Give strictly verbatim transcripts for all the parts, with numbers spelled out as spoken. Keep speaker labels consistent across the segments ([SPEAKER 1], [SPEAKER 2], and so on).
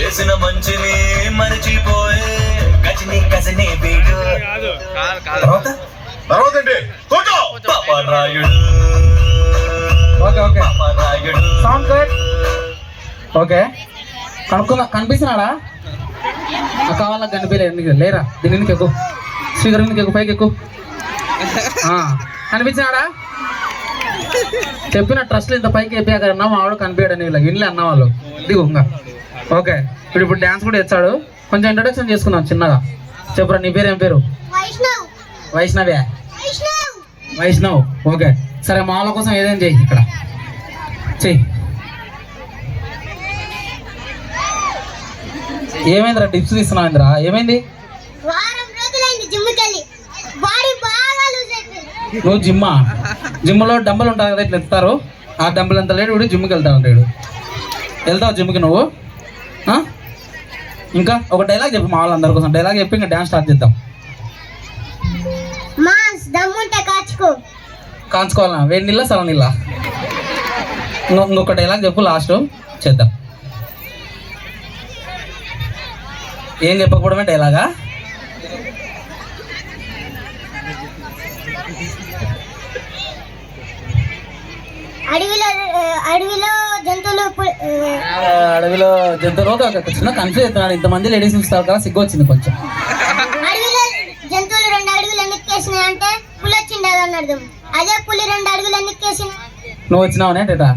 [SPEAKER 1] చేసిన మంచిని మరచిపోయే గజని గజని వీడు. తర్వాత తర్వాత అంటే Paparayudu.
[SPEAKER 2] Okay okay
[SPEAKER 1] Paparayudu
[SPEAKER 2] sound good. Okay కనుక్కున్నా కనిపిస్తున్నాడా? అక్క వాళ్ళకి కనిపించలేదు లేరా? దీని ఎందుకు ఎక్కువ స్పీకర్ ఎందుకు ఎక్కువ పైకి ఎక్కువ కనిపించినాడా? చెప్పిన ట్రస్ట్లు ఇంత పైకి ఎప్పాక అన్నా మా వాడు కనిపించాడు వీళ్ళకి వినలే అన్న వాళ్ళు దిగు ఇంకా. ఓకే ఇప్పుడు ఇప్పుడు డ్యాన్స్ కూడా ఇచ్చాడు. కొంచెం ఇంట్రొడక్షన్ చేసుకుందాం చిన్నగా. చెప్పురా నీ పేరు ఏం పేరు? వైష్ణవే వైష్ణవ్. ఓకే సరే మా వాళ్ళ కోసం ఏదైనా చెయ్యి ఇక్కడ చెయ్యి. ఏమైందిరా టిప్స్ తీస్తున్నావు ఇంద్రా? ఏమైంది? నువ్వు జిమ్మా? జిమ్లో డంబులు ఉంటాయి కదా ఇట్లా ఎత్తారు. ఆ డంబులు ఎంత లేడు వీడు జిమ్కి వెళ్తా ఉంటాడు. వెళ్తావు జిమ్కి నువ్వు? ఇంకా ఒక డైలాగ్ చెప్పు మా వాళ్ళందరి కోసం. డైలాగ్ చెప్పి ఇంకా డ్యాన్స్ స్టార్ట్ చేద్దాం. కాంచుకోవాలా? వేడి నీళ్ళ సల నీళ్ళ? ఇంకొక డైలాగ్ చెప్పు లాస్ట్ చేద్దాం. ఏం చెప్పకపోవడమే డైలాగా?
[SPEAKER 3] అడవిలో అడవిలో జంతువులు
[SPEAKER 2] అడవిలో జంతువులు ఒక చిన్న కన్ఫ్యూజ్ అవుతున్నాడు. ఇంతమంది లేడీస్ ఇస్తారు కదా సిగ్గు వచ్చింది కొంచెం.
[SPEAKER 3] అడవిలో జంతువులు రెండు అడుగులు ఎన్నికేసినాయి అంటే పులి వచ్చింది అని అర్థం. అదే పులి రెండు అడుగులు ఎన్నికేసిన
[SPEAKER 2] నువ్వు వచ్చినావనే టేటా?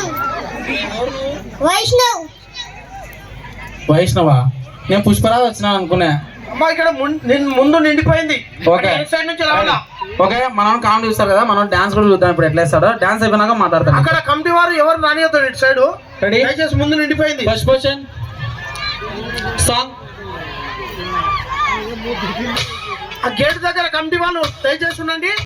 [SPEAKER 3] వైష్ణవ్.
[SPEAKER 2] వైష్ణవా? నేను పుష్పరాజ్ వచ్చినా అనుకున్నా.
[SPEAKER 4] ఇక్కడ ముందు నిండిపోయింది.
[SPEAKER 2] ఓకే ఓకే మనం కామెడీ చూస్తారు కదా, మనం డాన్స్ కూడా చూద్దాం. ఇప్పుడు ఎట్లా వేస్తాడో డాన్స్ అయిపోయినాక మాట్లాడతాం.
[SPEAKER 4] అక్కడ కమిటీ వారు ఎవరు రానియొద్దు ఇటు సైడ్.
[SPEAKER 2] రెడీ?
[SPEAKER 4] దయచేసి ముందు నిండిపోయింది.
[SPEAKER 2] First question song.
[SPEAKER 4] ఆ గేట్ దగ్గర కమిటీ వాళ్ళు దయచేసి ఉండండి.